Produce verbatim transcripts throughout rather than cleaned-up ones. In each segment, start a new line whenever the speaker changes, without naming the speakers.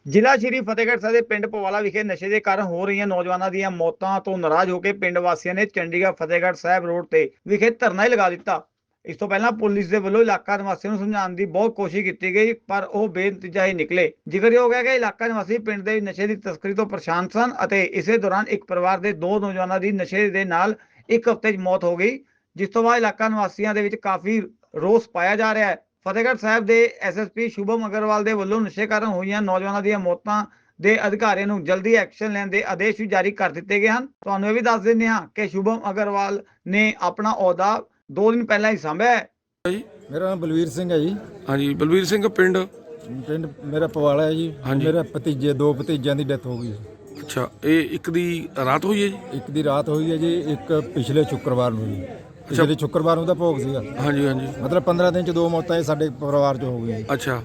ਜ਼ਿਲ੍ਹਾ ਸ਼੍ਰੀ ਫਤਿਹਗੜ੍ਹ ਸਾਹਿਬ ਦੇ ਪਿੰਡ ਪਵਾਲਾ ਵਿਖੇ ਨਸ਼ੇ ਦੇ ਕਾਰਨ ਹੋ ਰਹੀਆਂ ਨੌਜਵਾਨਾਂ ਦੀਆਂ ਮੌਤਾਂ ਤੋਂ ਨਾਰਾਜ਼ ਹੋ ਕੇ ਪਿੰਡ ਵਾਸੀਆਂ ਨੇ ਚੰਡੀਗੜ੍ਹ ਫਤਿਹਗੜ੍ਹ ਸਾਹਿਬ ਰੋਡ ਤੇ ਵਿਖੇ ਧਰਨਾ ਹੀ ਲਗਾ ਦਿੱਤਾ। ਇਸ ਤੋਂ ਪਹਿਲਾਂ ਪੁਲਿਸ ਦੇ ਵੱਲੋਂ ਇਲਾਕਾ ਨਿਵਾਸੀਆਂ ਨੂੰ ਸਮਝਾਉਣ ਦੀ ਬਹੁਤ ਕੋਸ਼ਿਸ਼ ਕੀਤੀ ਗਈ, ਪਰ ਉਹ ਬੇਨਤੀਜਾ ਹੀ ਨਿਕਲੇ। ਜ਼ਿਕਰਯੋਗ ਹੈ ਕਿ ਇਲਾਕਾ ਨਿਵਾਸੀ ਪਿੰਡ ਦੇ ਨਸ਼ੇ ਦੀ ਤਸਕਰੀ ਤੋਂ ਪਰੇਸ਼ਾਨ ਸਨ ਅਤੇ ਇਸੇ ਦੌਰਾਨ ਇੱਕ ਪਰਿਵਾਰ ਦੇ ਦੋ ਨੌਜਵਾਨਾਂ ਦੀ ਨਸ਼ੇ ਦੇ ਨਾਲ ਇੱਕ ਹਫ਼ਤੇ 'ਚ ਮੌਤ ਹੋ ਗਈ, ਜਿਸ ਤੋਂ ਬਾਅਦ ਇਲਾਕਾ ਨਿਵਾਸੀਆਂ ਦੇ ਵਿੱਚ ਕਾਫੀ ਰੋਸ ਪਾਇਆ ਜਾ ਰਿਹਾ ਹੈ। ਫਤਿਹਗੜ੍ਹ ਸਾਹਿਬ ਦੇ S S P Shubham Agarwal ਦੇ ਵੱਲੋਂ ਨਸ਼ੇ ਕਾਰਨ ਹੋਈਆਂ ਨੌਜਵਾਨਾਂ ਦੀਆਂ ਮੌਤਾਂ ਦੇ ਅਧਿਕਾਰੀਆਂ ਨੂੰ ਜਲਦੀ ਐਕਸ਼ਨ ਲੈਣ ਦੇ ਆਦੇਸ਼ ਵੀ ਜਾਰੀ ਕਰ ਦਿੱਤੇ ਗਏ ਹਨ। ਤੁਹਾਨੂੰ ਇਹ ਵੀ ਦੱਸ ਦਿੰਦੇ ਹਾਂ ਕਿ ਸ਼ੁਭਮ ਅਗਰਵਾਲ ਨੇ ਆਪਣਾ ਅਹੁਦਾ ਦੋ ਦਿਨ ਪਹਿਲਾਂ ਹੀ ਸੰਭਿਆ ਹੈ।
ਜੀ
ਮੇਰਾ ਨਾਮ ਬਲਵੀਰ ਸਿੰਘ ਹੈ ਜੀ।
ਹਾਂਜੀ ਬਲਵੀਰ ਸਿੰਘ ਪਿੰਡ
ਪਿੰਡ ਮੇਰਾ ਪਵਾਲਾ ਹੈ ਜੀ।
ਹਾਂਜੀ।
ਮੇਰਾ ਭਤੀਜੇ ਦੋ ਭਤੀਜਿਆਂ ਦੀ ਡੈਥ ਹੋ ਗਈ।
ਅੱਛਾ, ਇਹ ਇੱਕ ਦੀ ਰਾਤ ਹੋਈ ਹੈ ਜੀ?
ਇੱਕ ਦੀ ਰਾਤ ਹੋਈ ਹੈ ਜੀ, ਇੱਕ ਪਿਛਲੇ ਸ਼ੁੱਕਰਵਾਰ ਨੂੰ ਜੀ। ਪਿਛਲੇ ਸ਼ੁੱਕਰਵਾਰ ਨੂੰ ਦਾ ਭੋਗ ਸੀਗਾ।
ਹਾਂਜੀ ਹਾਂਜੀ।
ਮਤਲਬ ਪੰਦਰਾਂ ਦਿਨ ਚ ਦੋ ਮੌਤਾਂ ਇਹ ਸਾਡੇ ਪਰਿਵਾਰ ਚ ਹੋ ਗਈਆਂ।
ਅੱਛਾ,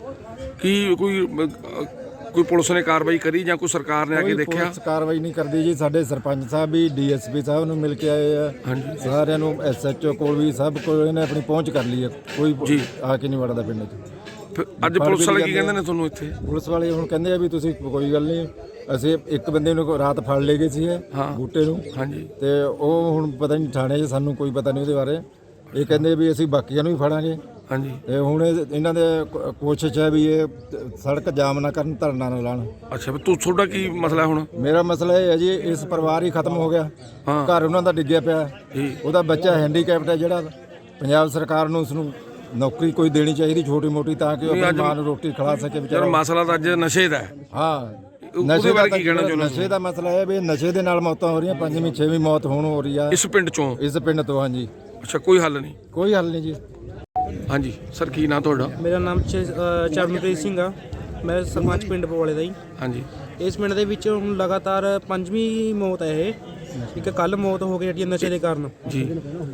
ਕੀ ਕੋਈ ਅਹ, ਕੋਈ ਪੁਲਿਸ ਨੇ ਕਾਰਵਾਈ ਕਰੀ ਜਾਂ ਕੋਈ ਸਰਕਾਰ ਨੇ ਆ ਕੇ
ਕੋਈ
ਦੇਖਿਆ?
ਪੁਲਿਸ ਕਾਰਵਾਈ ਨਹੀਂ ਕਰਦੀ ਜੀ। ਸਾਡੇ ਸਰਪੰਚ ਸਾਹਿਬ ਵੀ ਡੀ ਐਸ ਪੀ ਸਾਹਿਬ ਨੂੰ ਮਿਲ ਕੇ ਆਏ ਆ।
ਹਾਂਜੀ।
ਸਾਰਿਆਂ ਨੂੰ ਐਸ ਐਚ ਓ ਕੋਲ ਵੀ ਸਭ ਕੋਲ ਇਹਨੇ ਆਪਣੀ ਪਹੁੰਚ ਕਰ ਲਈ ਹੈ। ਕੋਈ
ਜੀ।
ਆ ਕੇ ਨਹੀਂ ਵੜਦਾ ਪਿੰਡ ਚ।
ਫਿਰ ਅੱਜ ਪੁਲਿਸ ਵਾਲੇ ਕੀ ਕਹਿੰਦੇ ਨੇ ਤੁਹਾਨੂੰ ਇੱਥੇ?
ਪੁਲਿਸ ਵਾਲੇ ਹੁਣ ਕਹਿੰਦੇ ਆ ਵੀ ਤੁਸੀਂ ਕੋਈ ਗੱਲ ਨਹੀਂ, ਅਸੀਂ ਇੱਕ ਬੰਦੇ ਨੂੰ ਰਾਤ ਫੜ ਲਏ ਗਏ ਸੀ
ਹਾਂ।
ਬੂਟੇ ਨੂੰ।
ਹਾਂਜੀ।
ਤੇ ਉਹ ਹੁਣ ਪਤਾ ਨਹੀਂ ਥਾਣੇ 'ਚ, ਸਾਨੂੰ ਕੋਈ ਪਤਾ ਨਹੀਂ ਉਹਦੇ ਬਾਰੇ। ਇਹ ਕਹਿੰਦੇ ਵੀ ਅਸੀਂ ਬਾਕੀਆਂ ਨੂੰ ਵੀ ਫੜਾਂਗੇ।
ਹਾਂਜੀ।
ਤੇ ਹੁਣ ਇਹ- ਇਹਨਾਂ ਦੇ ਕੋ- ਕੋਸ਼ਿਸ਼ ਹੈ ਵੀ ਇਹ ਸੜਕ ਜਾਮ ਨਾ ਕਰਨ, ਧਰਨਾ ਨਾ ਲਾਉਣ।
ਅੱਛਾ, ਵੀ ਤੂੰ ਤੁਹਾਡਾ ਕੀ ਮਸਲਾ ਹੁਣ?
ਮੇਰਾ ਮਸਲਾ ਇਹ ਹੈ ਜੀ, ਇਸ ਪਰਿਵਾਰ ਹੀ ਖਤਮ ਹੋ ਗਿਆ।
ਹਾਂ।
ਘਰ ਉਹਨਾਂ ਦਾ ਡਿੱਗਿਆ ਪਿਆ।
ਜੀ।
ਉਹਦਾ ਬੱਚਾ ਹੈਂਡੀਕੈਪਟ ਹੈ ਜਿਹੜਾ। ਪੰਜਾਬ ਸਰਕਾਰ ਨੂੰ ਉਸ ਨੂੰ ਨੌਕਰੀ ਕੋਈ ਦੇਣੀ ਚਾਹੀਦੀ ਛੋਟੀ ਮੋਟੀ, ਤਾਂ ਕਿ ਉਹ ਆਪਣੀ ਮਾਂ ਨੂੰ ਰੋਟੀ ਖਿਲਾ ਸਕੇ
ਯਾਰ
ਵਿਚਾਰਾ।
ਮਸਲਾ ਤਾਂ ਅੱਜ ਨਸ਼ੇ ਦਾ ਹੈ।
ਹਾਂ,
ਉਹਦੇ ਬਾਰੇ ਕੀ ਕਹਿਣਾ ਚਾਹੁੰਦੇ ਹੋ?
ਨਸ਼ੇ ਦਾ ਮਸਲਾ ਹੈ ਵੀ ਨਸ਼ੇ ਦੇ ਨਾਲ ਮੌਤਾਂ ਹੋ ਰਹੀਆਂ। ਪੰਜਵੀਂ ਛੇਵੀਂ ਮੌਤ ਹੁਣ ਹੋ ਰਹੀ ਆ
ਇਸ ਪਿੰਡ ਚੋਂ?
ਇਸ ਪਿੰਡ ਤੋਂ। ਹਾਂਜੀ।
ਅੱਛਾ, ਕੋਈ ਹੱਲ ਨਹੀਂ?
ਕੋਈ ਹੱਲ ਨਹੀਂ ਜੀ।
ਹਾਂਜੀ ਸਰ, ਕੀ ਨਾਂ ਤੁਹਾਡਾ?
ਮੇਰਾ ਨਾਮ ਚ- ਅ, ਚਰਨਪ੍ਰੀਤ ਸਿੰਘ ਆ। ਮੈਂ ਸਰਪੰਚ ਪਿੰਡ ਪਵਾਲੇ ਦਾ ਜੀ।
ਹਾਂਜੀ।
ਇਸ ਪਿੰਡ ਦੇ ਵਿੱਚ ਹੁਣ ਲਗਾਤਾਰ ਪੰਜਵੀਂ ਮੌਤ ਹੈ ਇਹ। ਇੱਕ ਕੱਲ ਮੌਤ ਹੋ ਗਈ ਜਿਹੜੀ ਨਸ਼ੇ ਦੇ ਕਾਰਨ।
ਜੀ।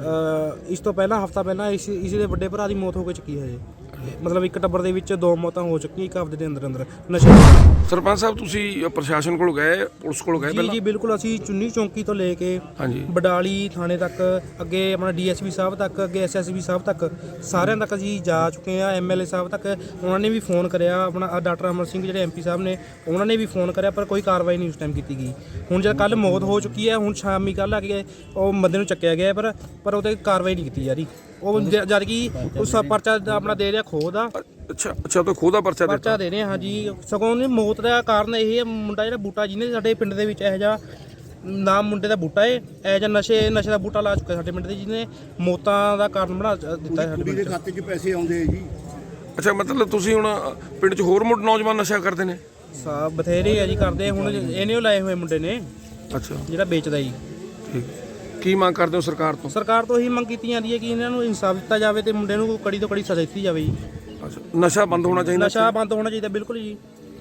ਅ, ਇਸ ਤੋਂ ਪਹਿਲਾਂ ਹਫਤਾ ਪਹਿਲਾਂ ਇਸ ਇਸ ਦੇ ਵੱਡੇ ਭਰਾ ਦੀ ਮੌਤ ਹੋ ਕੇ ਚੁੱਕੀ ਹੈ ਜੀ। ਮਤਲਬ ਇੱਕ ਟੱਬਰ ਦੇ ਵਿੱਚ ਦੋ ਮੌਤਾਂ ਹੋ ਚੁੱਕੀਆਂ ਇੱਕ ਹਫਤੇ ਦੇ ਅੰਦਰ ਅੰਦਰ ਨਸ਼ੇ।
ਸਰਪੰਚ ਸਾਹਿਬ, ਤੁਸੀਂ ਪ੍ਰਸ਼ਾਸਨ ਕੋਲ ਗਏ, ਪੁਲਿਸ ਕੋਲ ਗਏ
ਜੀ
ਪਹਿਲਾਂ?
ਜੀ ਬਿਲਕੁਲ। ਅਸੀਂ ਚੁੰਨੀ ਚੌਂਕੀ ਤੋਂ ਲੈ ਕੇ
ਹਾਂਜੀ।
ਬਡਾਲੀ ਥਾਣੇ ਤੱਕ, ਅੱਗੇ ਆਪਣਾ ਡੀ ਐਸ ਪੀ ਸਾਹਿਬ ਤੱਕ, ਅੱਗੇ ਐਸ ਐਸ ਪੀ ਸਾਹਿਬ ਤੱਕ, ਸਾਰਿਆਂ ਤੱਕ ਅਸੀਂ ਜਾ ਚੁੱਕੇ ਆ। ਐਮ ਐਲ ਏ ਸਾਹਿਬ ਤੱਕ ਉਹਨਾਂ ਨੇ ਵੀ ਫੋਨ ਕਰਿਆ। ਆਪਣਾ ਡਾਕਟਰ ਅਮਰ ਸਿੰਘ ਜਿਹੜੇ ਐਮ ਪੀ ਸਾਹਿਬ ਨੇ, ਉਹਨਾਂ ਨੇ ਵੀ ਫੋਨ ਕਰਿਆ, ਪਰ ਕੋਈ ਕਾਰਵਾਈ ਨਹੀਂ ਉਸ ਟਾਈਮ ਕੀਤੀ ਗਈ। ਹੁਣ ਜਦ ਕੱਲ ਮੌਤ ਹੋ ਚੁੱਕੀ ਹੈ, ਹੁਣ ਸ਼ਾਮੀ ਕੱਲ੍ਹ ਆ ਕੇ ਉਹ ਬੰਦੇ ਨੂੰ ਚੱਕਿਆ ਗਿਆ, ਪਰ ਪਰ ਉਹ 'ਤੇ ਕਾਰਵਾਈ ਨਹੀਂ ਕੀਤੀ ਜਾ ਰਹੀ। ਉਹ ਜ- ਜਦ ਕਿ ਉਸ ਪਰਚਾ ਆਪਣਾ ਦੇ ਰਿਹਾ ਖੋਹ ਦਾ
ਅੱਛਾ ਅੱਛਾ, ਤਾਂ ਖੋਹ ਦਾ ਪਰਚਾ
ਪਰਚਾ
ਦਿੱਤਾ?
ਦੇ ਰਹੇ ਹਾਂ ਜੀ। ਸਗੋਂ ਉਹਨੇ ਮੌਤ ਦਾ ਕਾਰਨ ਇਹ ਹੈ, ਮੁੰਡਾ ਜਿਹੜਾ ਬੂਟਾ ਜਿਹਨੇ ਸਾਡੇ ਪਿੰਡ ਦੇ ਵਿੱਚ ਇਹੋ ਜਿਹਾ ਨਾਮ ਮੁੰਡੇ ਦਾ ਬੂਟਾ ਏ, ਇਹੋ ਜਿਹਾ ਨਸ਼ੇ ਨਸ਼ੇ ਦਾ ਬੂਟਾ ਲਾ ਚੁੱਕਾ ਸਾਡੇ ਪਿੰਡ ਦੇ, ਜਿਹਨੇ ਮੌਤਾਂ ਦਾ ਕਾਰਨ ਬਣਾ ਦਿੱਤਾ ਸਾਡੇ ਪਿੰਡ 'ਚ।
ਖਾਤੇ 'ਚ ਪੈਸੇ ਆਉਂਦੇ ਆ ਜੀ।
ਅੱਛਾ, ਮਤਲਬ ਤੁਸੀਂ ਹੁਣ ਪਿੰਡ 'ਚ ਹੋਰ ਮੁੰਡੇ ਨੌਜਵਾਨ ਨਸ਼ਾ ਕਰਦੇ ਨੇ?
ਸਾ ਬਥੇਰੇ ਆ ਜੀ ਕਰਦੇ। ਹੁਣ ਇਹਨੇ ਉਹ ਲਾਏ ਹੋਏ ਮੁੰਡੇ ਨੇ
ਅੱਛਾ,
ਜਿਹੜਾ ਵੇਚਦਾ ਜੀ।
ਠੀਕ। ਕੀ ਮੰਗ ਕਰਦੇ ਹੋ ਸਰਕਾਰ ਤੋਂ?
ਸਰਕਾਰ ਤੋਂ ਇਹੀ ਮੰਗ ਕੀਤੀ ਜਾਂਦੀ ਹੈ ਕਿ ਇਹਨਾਂ ਨੂੰ ਇਨਸਾਫ ਦਿੱਤਾ ਜਾਵੇ ਤੇ ਮੁੰਡੇ ਨੂੰ ਕੜੀ ਤੋਂ ਕੜੀ ਸਜ਼ਾ ਦਿੱਤੀ ਜਾਵੇ ਜੀ।
ਅੱਛਾ, ਨਸ਼ਾ ਬੰਦ ਹੋਣਾ ਚਾਹੀਦਾ?
ਨਸ਼ਾ ਬੰਦ ਹੋਣਾ ਚਾਹੀਦਾ ਬਿਲਕੁਲ ਜੀ।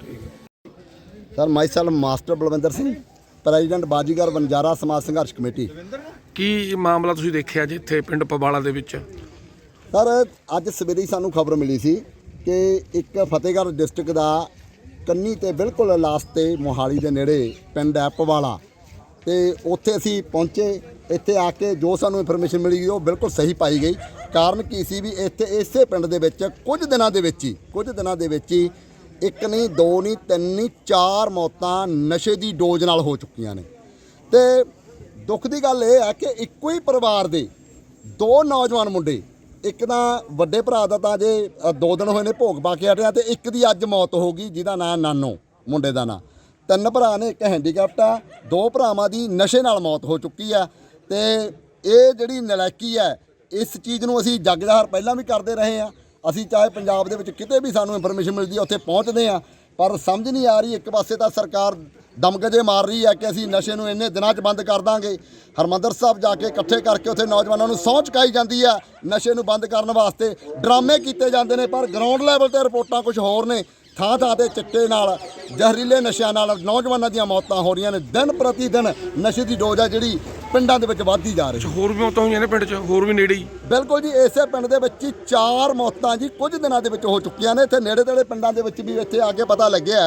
Sir myself master Balwinder Singh, president Bazigar Banjara Samaj Sangharsh committee.
ਕੀ ਮਾਮਲਾ ਤੁਸੀਂ ਦੇਖਿਆ ਜੀ ਇੱਥੇ ਪਿੰਡ ਪਵਾਲਾ ਦੇ ਵਿੱਚ?
ਸਰ ਅੱਜ ਸਵੇਰੇ ਹੀ ਸਾਨੂੰ ਖਬਰ ਮਿਲੀ ਸੀ ਕਿ ਇੱਕ ਫਤਿਹਗੜ੍ਹ ਡਿਸਟ੍ਰਿਕਟ ਦਾ ਕੰਨੀ ਤੇ ਬਿਲਕੁਲ ਲਾਸਟ ਤੇ ਮੋਹਾਲੀ ਦੇ ਨੇੜੇ ਪਿੰਡ ਹੈ ਪਵਾਲਾ, ਤੇ ਉੱਥੇ ਅਸੀਂ ਪਹੁੰਚੇ। ਇੱਥੇ ਆ ਕੇ ਜੋ ਸਾਨੂੰ ਇਨਫੋਰਮੇਸ਼ਨ ਮਿਲੀ ਉਹ ਬਿਲਕੁਲ ਸਹੀ ਪਾਈ ਗਈ। ਕਾਰਨ ਕੀ ਸੀ ਵੀ ਇੱਥੇ ਇਸੇ ਪਿੰਡ ਦੇ ਵਿੱਚ ਕੁਝ ਦਿਨਾਂ ਦੇ ਵਿੱਚ ਹੀ ਕੁਝ ਦਿਨਾਂ ਦੇ ਵਿੱਚ ਹੀ ਇੱਕ ਨਹੀਂ, ਦੋ ਨਹੀਂ, ਤਿੰਨ ਨਹੀਂ, ਚਾਰ ਮੌਤਾਂ ਨਸ਼ੇ ਦੀ ਡੋਜ਼ ਨਾਲ ਹੋ ਚੁੱਕੀਆਂ ਨੇ। ਤੇ ਦੁੱਖ ਦੀ ਗੱਲ ਇਹ ਹੈ ਕਿ ਇੱਕੋ ਹੀ ਪਰਿਵਾਰ ਦੇ ਦੋ ਨੌਜਵਾਨ ਮੁੰਡੇ, ਇੱਕ ਤਾਂ ਵੱਡੇ ਭਰਾ ਦਾ ਤਾਂ ਜੇ ਦੋ ਦਿਨ ਹੋਏ ਨੇ ਭੋਗ ਪਾ ਕੇ ਹਟਿਆ, ਤੇ ਇੱਕ ਦੀ ਅੱਜ ਮੌਤ ਹੋ ਗਈ ਜਿਹਦਾ ਨਾਂ ਨਾਨੋ, ਮੁੰਡੇ ਦਾ ਨਾਂ। ਤਿੰਨ ਭਰਾ ਨੇ, ਇੱਕ ਹੈਂਡੀਕੈਪਟ ਆ, ਦੋ ਭਰਾਵਾਂ ਦੀ ਨਸ਼ੇ ਨਾਲ ਮੌਤ ਹੋ ਚੁੱਕੀ ਆ। ਤੇ ਇਹ ਜਿਹੜੀ ਨਲਾਇਕੀ ਹੈ, ਇਸ ਚੀਜ਼ ਨੂੰ ਅਸੀਂ ਜੱਗ ਜ਼ਾਹਰ ਪਹਿਲਾਂ ਵੀ ਕਰਦੇ ਰਹੇ ਹਾਂ। ਅਸੀਂ ਚਾਹੇ ਪੰਜਾਬ ਦੇ ਵਿੱਚ ਕਿਤੇ ਵੀ ਸਾਨੂੰ ਇਨਫੋਰਮੇਸ਼ਨ ਮਿਲਦੀ ਹੈ ਉੱਥੇ ਪਹੁੰਚਦੇ ਹਾਂ, ਪਰ ਸਮਝ ਨਹੀਂ ਆ ਰਹੀ। ਇੱਕ ਪਾਸੇ ਤਾਂ ਸਰਕਾਰ ਦਮਗਜੇ ਮਾਰ ਰਹੀ ਹੈ ਕਿ ਅਸੀਂ ਨਸ਼ੇ ਨੂੰ ਇੰਨੇ ਦਿਨਾਂ 'ਚ ਬੰਦ ਕਰ ਦਾਂਗੇ। ਹਰਿਮੰਦਰ ਸਾਹਿਬ ਜਾ ਕੇ ਇਕੱਠੇ ਕਰਕੇ ਉੱਥੇ ਨੌਜਵਾਨਾਂ ਨੂੰ ਸਹੁੰ ਚੁਕਾਈ ਜਾਂਦੀ ਆ ਨਸ਼ੇ ਨੂੰ ਬੰਦ ਕਰਨ ਵਾਸਤੇ, ਡਰਾਮੇ ਕੀਤੇ ਜਾਂਦੇ ਨੇ, ਪਰ ਗਰਾਊਂਡ ਲੈਵਲ 'ਤੇ ਰਿਪੋਰਟਾਂ ਕੁਝ ਹੋਰ ਨੇ। ਥਾਂ ਥਾਂ 'ਤੇ ਚਿੱਟੇ ਨਾਲ, ਜ਼ਹਿਰੀਲੇ ਨਸ਼ਿਆਂ ਨਾਲ ਨੌਜਵਾਨਾਂ ਦੀਆਂ ਮੌਤਾਂ ਹੋ ਰਹੀਆਂ ਨੇ। ਦਿਨ ਪ੍ਰਤੀ ਦਿਨ ਨਸ਼ੇ ਦੀ ਡੋਜ਼ ਆ ਜਿਹੜੀ ਪਿੰਡਾਂ ਦੇ ਵਿੱਚ ਵੱਧਦੀ ਜਾ ਰਹੀ ਹੈ।
ਹੋਰ ਵੀ ਮੌਤਾਂ ਹੋਈਆਂ ਨੇ ਪਿੰਡ 'ਚ? ਹੋਰ ਵੀ ਨੇੜੇ ਹੀ?
ਬਿਲਕੁਲ ਜੀ, ਇਸੇ ਪਿੰਡ ਦੇ ਵਿੱਚ ਹੀ ਚਾਰ ਮੌਤਾਂ ਜੀ ਕੁਝ ਦਿਨਾਂ ਦੇ ਵਿੱਚ ਹੋ ਚੁੱਕੀਆਂ ਨੇ। ਇੱਥੇ ਨੇੜੇ ਤੇੜੇ ਪਿੰਡਾਂ ਦੇ ਵਿੱਚ ਵੀ ਇੱਥੇ ਆ ਕੇ ਪਤਾ ਲੱਗਿਆ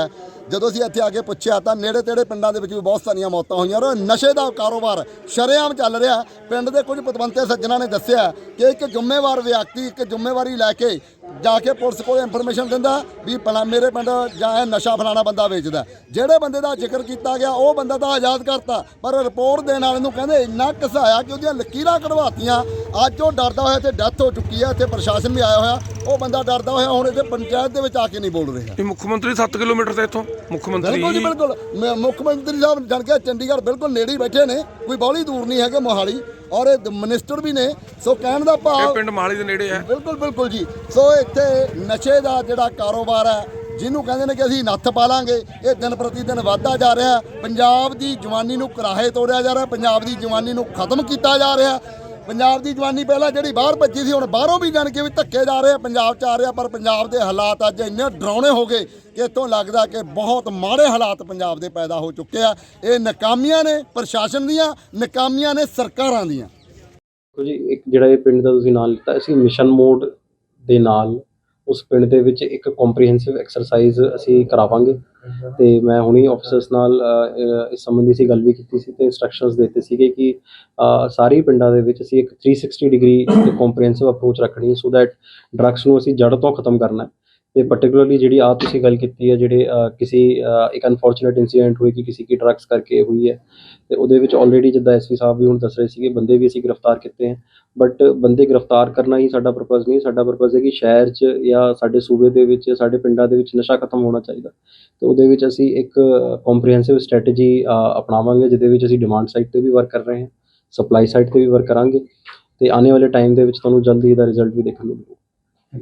ਜਦੋਂ ਅਸੀਂ ਇੱਥੇ ਆ ਕੇ ਪੁੱਛਿਆ ਤਾਂ ਨੇੜੇ ਤੇੜੇ ਪਿੰਡਾਂ ਦੇ ਵਿੱਚ ਵੀ ਬਹੁਤ ਸਾਰੀਆਂ ਮੌਤਾਂ ਹੋਈਆਂ ਔਰ ਨਸ਼ੇ ਦਾ ਕਾਰੋਬਾਰ ਸ਼ਰੇਆਮ ਚੱਲ ਰਿਹਾ। ਪਿੰਡ ਦੇ ਕੁਝ ਪਤਵੰਤੇ ਸੱਜਣਾਂ ਨੇ ਦੱਸਿਆ ਕਿ ਇੱਕ ਜ਼ਿੰਮੇਵਾਰ ਵਿਅਕਤੀ ਇੱਕ ਜ਼ਿੰਮੇਵਾਰੀ ਲੈ ਕੇ ਜਾ ਕੇ ਪੁਲਿਸ ਕੋਲ ਇਨਫੋਰਮੇਸ਼ਨ ਦਿੰਦਾ ਵੀ ਭਲਾ ਮੇਰੇ ਪਿੰਡ ਜਾਂ ਇਹ ਨਸ਼ਾ ਫਲਾਣਾ ਬੰਦਾ ਵੇਚਦਾ। ਜਿਹੜੇ ਬੰਦੇ ਦਾ ਜ਼ਿਕਰ ਕੀਤਾ ਗਿਆ ਉਹ ਬੰਦਾ ਤਾਂ ਆਜ਼ਾਦ ਕਰਤਾ, ਪਰ ਰਿਪੋਰਟ ਦੇਣ ਵਾਲੇ ਨੂੰ ਕਹਿੰਦੇ ਇੰਨਾ ਘਸਾਇਆ ਕਿ ਉਹਦੀਆਂ ਲਕੀਰਾਂ ਕਢਵਾਤੀਆਂ। ਅੱਜ ਉਹ ਡਰਦਾ ਹੋਇਆ ਤੇ ਡੈਥ ਹੋ ਚੁੱਕੀ ਹੈ। ਇੱਥੇ ਪ੍ਰਸ਼ਾਸਨ ਵੀ ਆਇਆ ਹੋਇਆ, ਉਹ ਬੰਦਾ ਡਰਦਾ ਹੋਇਆ ਹੁਣ ਇੱਥੇ ਪੰਚਾਇਤ ਦੇ ਵਿੱਚ ਆ ਕੇ ਨਹੀਂ ਬੋਲ ਰਿਹਾ।
ਇਹ ਮੁੱਖ ਮੰਤਰੀ ਸੱਤ ਕਿਲੋਮੀਟਰ ਤੇ ਇੱਥੋਂ ਮੁੱਖ ਮੰਤਰੀ
ਬਿਲਕੁਲ ਜੀ ਬਿਲਕੁਲ ਮ- ਮੁੱਖ ਮੰਤਰੀ ਸਾਹਿਬ ਜਾਣ ਕੇ ਚੰਡੀਗੜ੍ਹ ਬਿਲਕੁਲ ਨੇੜੇ ਹੀ ਬੈਠੇ ਨੇ, ਕੋਈ ਬਾਹਲੀ ਦੂਰ ਨਹੀਂ ਹੈਗੇ ਮੋਹਾਲੀ, ਔਰ ਇਹ ਮਿਨਿਸਟਰ ਵੀ ਨੇ। ਸੋ ਕਹਿਣ ਦਾ
ਇਹ
ਭਾਵ
ਪਿੰਡ ਮੋਹਾਲੀ ਦੇ ਨੇੜੇ ਹੈ।
ਬਿਲਕੁਲ ਬਿਲਕੁਲ ਜੀ। ਸੋ ਇੱਥੇ ਨਸ਼ੇ ਦਾ ਜਿਹੜਾ ਕਾਰੋਬਾਰ ਹੈ, ਜਿਹਨੂੰ ਕਹਿੰਦੇ ਨੇ ਕਿ ਅਸੀਂ ਨੱਥ ਪਾ ਲਾਂਗੇ, ਇਹ ਦਿਨ ਪ੍ਰਤੀ ਦਿਨ ਵੱਧਦਾ ਜਾ ਰਿਹਾ। ਪੰਜਾਬ ਦੀ ਜਵਾਨੀ ਨੂੰ ਕਰਾਹੇ ਤੋੜਿਆ ਜਾ ਰਿਹਾ, ਪੰਜਾਬ ਦੀ ਜਵਾਨੀ ਨੂੰ ਖਤਮ ਕੀਤਾ ਜਾ ਰਿਹਾ। ਪੰਜਾਬ ਦੀ ਜਵਾਨੀ ਪਹਿਲਾਂ ਜਿਹੜੀ ਬਾਹਰ ਭੱਜੀ ਸੀ, ਹੁਣ ਬਾਹਰੋਂ ਵੀ ਜਾਣ ਕੇ ਵੀ ਧੱਕੇ ਜਾ ਰਹੇ ਆ, ਪੰਜਾਬ 'ਚ ਆ ਰਿਹਾ। ਪਰ ਪੰਜਾਬ ਦੇ ਹਾਲਾਤ ਅੱਜ ਇੰਨੇ ਡਰਾਉਣੇ ਹੋ ਗਏ ਕਿ ਇੱਥੋਂ ਲੱਗਦਾ ਕਿ ਬਹੁਤ ਮਾੜੇ ਹਾਲਾਤ ਪੰਜਾਬ ਦੇ ਪੈਦਾ ਹੋ ਚੁੱਕੇ ਆ। ਇਹ ਨਾਕਾਮੀਆਂ ਨੇ ਪ੍ਰਸ਼ਾਸਨ ਦੀਆਂ, ਨਾਕਾਮੀਆਂ ਨੇ ਸਰਕਾਰਾਂ ਦੀਆਂ।
ਦੇਖੋ ਜੀ, ਇੱਕ ਜਿਹੜਾ ਇਹ ਪਿੰਡ ਦਾ ਤੁਸੀਂ ਨਾਂ ਲਿੱਤਾ, ਅਸੀਂ ਮਿਸ਼ਨ ਮੋਡ ਦੇ ਨਾਲ ਉਸ ਪਿੰਡ ਦੇ ਵਿੱਚ ਇੱਕ ਕੰਪਰੀਹੈਂਸਿਵ ਐਕਸਰਸਾਈਜ਼ ਅਸੀਂ ਕਰਾਵਾਂਗੇ। ਤੇ ਮੈਂ ਹੁਣੀ ਆਫਿਸਰਸ ਨਾਲ ਅ, ਇਸ ਸੰਬੰਧੀ ਅਸੀਂ ਗੱਲ ਵੀ ਕੀਤੀ ਸੀ ਤੇ ਇੰਸਟਰਕਸ਼ਨਸ ਦਿੱਤੇ ਸੀਗੇ ਕਿ ਅ, ਸਾਰੇ ਪਿੰਡਾਂ ਦੇ ਵਿੱਚ ਅਸੀਂ ਇੱਕ three sixty degree comprehensive approach ਰੱਖਣੀ ਹੈ, ਸੋ ਦੈਟ ਡਰੱਗਸ ਨੂੰ ਅਸੀਂ ਜੜ ਤੋਂ ਖਤਮ ਕਰਨਾ ਹੈ। ਤੇ ਪਾਰਟਿਕੂਲਰਲੀ ਜਿਹੜੀ ਆ ਤੁਸੀਂ ਗੱਲ ਕੀਤੀ ਹੈ, ਜਿਹੜੇ ਅ, ਕਿਸੇ ਅ, ਇੱਕ ਅਨਫੋਰਚੂਨੇਟ ਇੰਸੀਡੈਂਟ ਹੋਈ ਕਿ ਕਿਸੇ ਕੀ ਡਰੱਗਸ ਕਰਕੇ ਹੋਈ ਹੈ, ਤੇ ਉਹਦੇ ਵਿੱਚ ਆਲਰੇਡੀ ਜਿੱਦਾਂ ਐਸਪੀ ਸਾਹਿਬ ਵੀ ਹੁਣ ਦੱਸ ਰਹੇ ਸੀਗੇ, ਬੰਦੇ ਵੀ ਅਸੀਂ ਗ੍ਰਿਫਤਾਰ ਕੀਤੇ हैं। ਬਟ ਬੰਦੇ ਗ੍ਰਿਫਤਾਰ ਕਰਨਾ ਹੀ ਸਾਡਾ ਪਰਪਸ ਨਹੀਂ, ਸਾਡਾ ਪਰਪਸ ਹੈ ਕਿ ਸ਼ਹਿਰ 'ਚ ਜਾਂ ਸਾਡੇ ਸੂਬੇ ਦੇ ਵਿੱਚ, ਸਾਡੇ ਪਿੰਡਾਂ ਦੇ ਵਿੱਚ ਨਸ਼ਾ ਖਤਮ ਹੋਣਾ ਚਾਹੀਦਾ। ਤੇ ਉਹਦੇ ਵਿੱਚ ਅਸੀਂ ਇੱਕ ਕੰਪਰੀਹੈਂਸਿਵ ਸਟ੍ਰੈਟਜੀ ਅਪਣਾਵਾਂਗੇ, ਜਿਹਦੇ ਵਿੱਚ ਅਸੀਂ ਡਿਮਾਂਡ ਸਾਈਡ 'ਤੇ ਵੀ ਵਰਕ ਕਰ ਰਹੇ ਹਾਂ, ਸਪਲਾਈ ਸਾਈਡ 'ਤੇ ਵੀ ਵਰਕ ਕਰਾਂਗੇ, ਤੇ ਆਉਣੇ ਵਾਲੇ ਟਾਈਮ ਦੇ ਵਿੱਚ ਤੁਹਾਨੂੰ ਜਲਦੀ ਇਹਦਾ ਰਿਜ਼ਲਟ ਵੀ ਦੇਖਣ ਨੂੰ ਮਿਲੇਗਾ।